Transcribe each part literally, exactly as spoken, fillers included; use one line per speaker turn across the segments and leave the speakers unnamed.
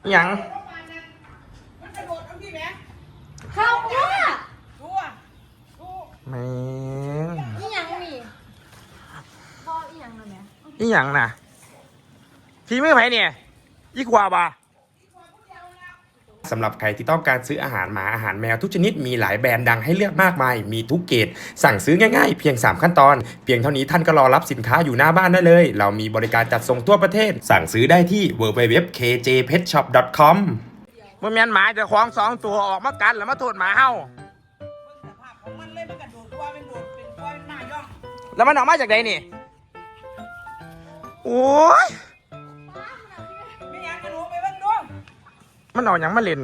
หยัง
เข้าว่า
แม่ง
อีหยังนี่พ่ออีหยังเลยไหม
อีหยังน่ะพี่มือไผเนี่ยอีขวาบ่าสำหรับใครที่ต้องการซื้ออาหารหมาอาหารแมวทุกชนิดมีหลายแบรนด์ดังให้เลือกมากมายมีทุกเกรดสั่งซื้อง่ายๆเพียงสามขั้นตอนเพียงเท่านี้ท่านก็รอรับสินค้าอยู่หน้าบ้านได้เลยเรามีบริการจัดส่งทั่วประเทศสั่งซื้อได้ที่ ดับเบิลยู ดับเบิลยู ดับเบิลยู ดอท เค เจ เพท ช็อป ดอท คอม บ่แม่นหมาเจ้าของสองตัวออกมากันแล้วมาโทษหมาเฮาแล้วมันออกมาจากไหนนี่โอ้ยมันออกอย่างมาเล่น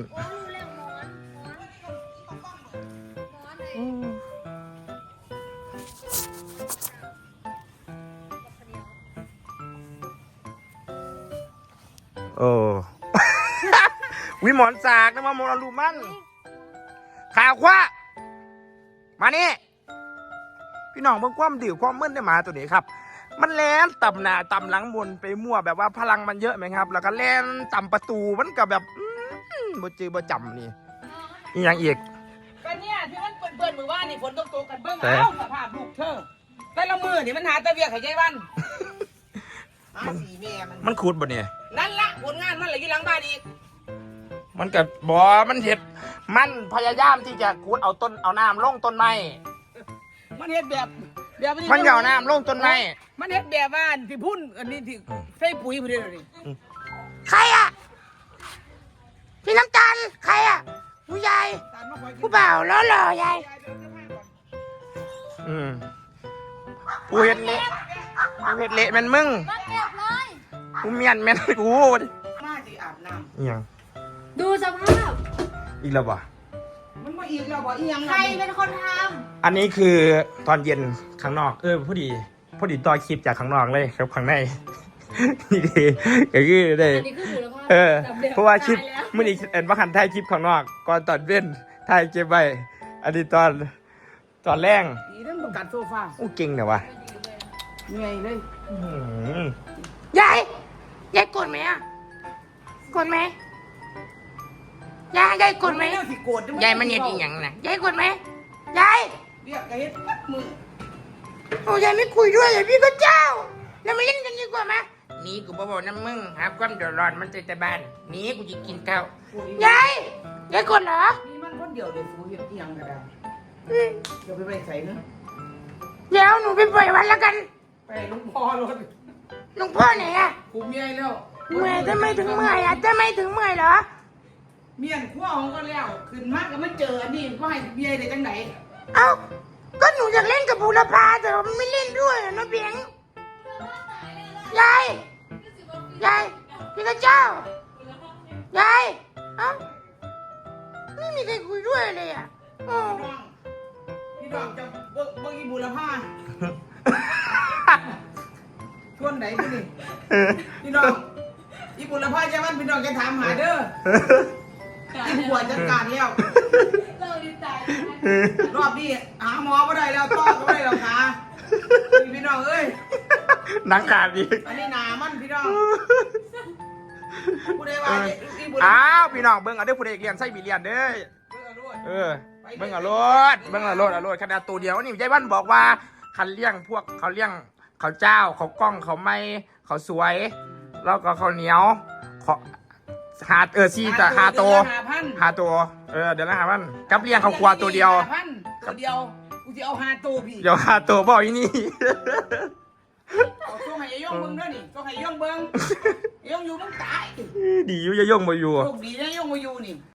โอ้ วิหมอนสากนะมาโมราลูมันข่าวคว้ามานี่พี่น้องเบิ่งความดื่มความมึนได้หมาตัวนี้ครับมันแล่นต่ำหน้าต่ำหลังบนไปมั่วแบบว่าพลังมันเยอะไหมครับแล้วก็แล่นต่ำประตูมันกับแบบบ่จือบ่จำนี่อีหยังอีก
กันเนี่ยที่มันเปื่อนๆมือว่านี่ฝนตกตกกันเบิ้งเอาสภาพลูกเธอแต่ละมือนี่มันหาตะเวียกให้ใจวันมันสีแม่มัน
มันขุดบ่เนี่ย
นั่นละผลงานมันเลยอยู่หลังบ้านอีก
มันกับบ่มันเห็ดมันพยายามที่จะขุดเอาต้นเอาน้ำลงต้นไม้
มันเห็ดแบบแบบ
มันเอาน้ำลงต้นไม้
มันเห็ดแบบว่าที่พุ่นอันนี้ที่ใส่ปุ๋ยพอดีเลย
ใครอ่ะพี่น้ำตาลใครอ่ะผู้ใหญ่ผู้บ่าวล้อหล่อใหญ่อืมกูเห็ดเละกูเห็ดเละแม่นมึงกูเมียนแม่นกู
มาสิอาบน้
ำยัง
ดูสภาพ
อีกแล้วบ่
มันมาอีกแล้วบ่อีหยัง
ใครเป็นคนท
ำอันนี้คือตอนเย็นข้างนอกเออพอดีพอดีต่อคลิปจากข้างนอกเลยครับข้างในนี่ดีก็คือได้เออเพราะว่าคลิปเมื่อนี้เอ็นว่าคันถ่ายคลิปข้างนอกก่อนตอนเว้นถ่ายเก็บไว้อันนี้ตอนตอนแรง
อีเรื่องประกัดโซฟา
อู้เก่งเนี่ยวะ
เหนื่อยเลย
ยายยายกดไหมอ่ะกดไหมยายยายกดไหมยายมันเห็นอีหยังนะยายกดไหมยาย
เรียกกระเฮ็ดปัดมือ
โอ้ยายไม่คุยด้วยยายพี่ก็เจ้าแล้วมาเล่นกันดีกว่าไหมนี่กูบอกน้ำมึงหาความเดือดร้อนมันใจแต่บ้านนี่กูจะกินข้าวยายยายกดเหรอ
นี่มันคนเดียวเดี๋ยวฟูเห็ดอีหยังก็ได้เดี๋ยวไปไปใส่เนาะ
เดี๋ยวหนูไปปล่อยวันแล้วกัน
ไปลุงพ่อรถ
ลุงพ่อไหนอะ
คุมเมียแล้ว
เมื่อยจะไม่ถึงเมื่อยอะจะไม่ถึงเมื่อยเหรอ
เมียนขั้วของก็แล้วขึ้นมากก็ไม่เจออันนี้ก็ให้เมียได้จังไหน
เอ้าก็หนูอยากเล่นกับบูรพาแต่มันไม่เล่นด้วยนะเบียงยายยายพี่กระเจ้ายายเอ้าไม่มีใครคุยด้วยเลยอ่ะ
พี่ดอกจะเบิกเบิกอีบูรพาชวนไหนพี่นี่พี่น้องอีบุรพาใช่ไหมพี่น้องจะถามหาเด้อที่ปวดจัดการแล้วรอบนี้หาหมอไม่ได้แล้วต้อก็ไม่ได้แล้วค่ะพี่น้องเอ้ย
นักการดี
อันนี้หนามันพี่น้องผู้ใดว่าอีบุรพา
อ้าวพี่น้องเบิ้งเอาเด้อผู้ใดเรียนไส้บีเรียนเด้อเออเบิ้งเอารถเบิ้งเอารถเอารถขนาดตัวเดียวนี่ยายบ้านบอกว่าคันเลี้ยงพวกเขาเลี้ยงเขาเจ้าเขากล้องเขาไม่เขาสวยแล้วก็เขาเหนียวเขาหาเออซีแต่หาตัวหาตัวเออเดี๋ยวนะหาพันกับเลี้ยงเขาควาตัวเดียว
ตัวเดียวกูจะเอาหาตัวพี่
เดี๋ยวหาตัวบอกอีนี่
เอาตัวให้ย่องเบิ้งด้วยนี่ตัวให้ย่องเบิ้งย่องอยู่ต้องตาย
ดีอยู่จะย่องมาอยู่
โชคดีนะย่องมาอยู่นี่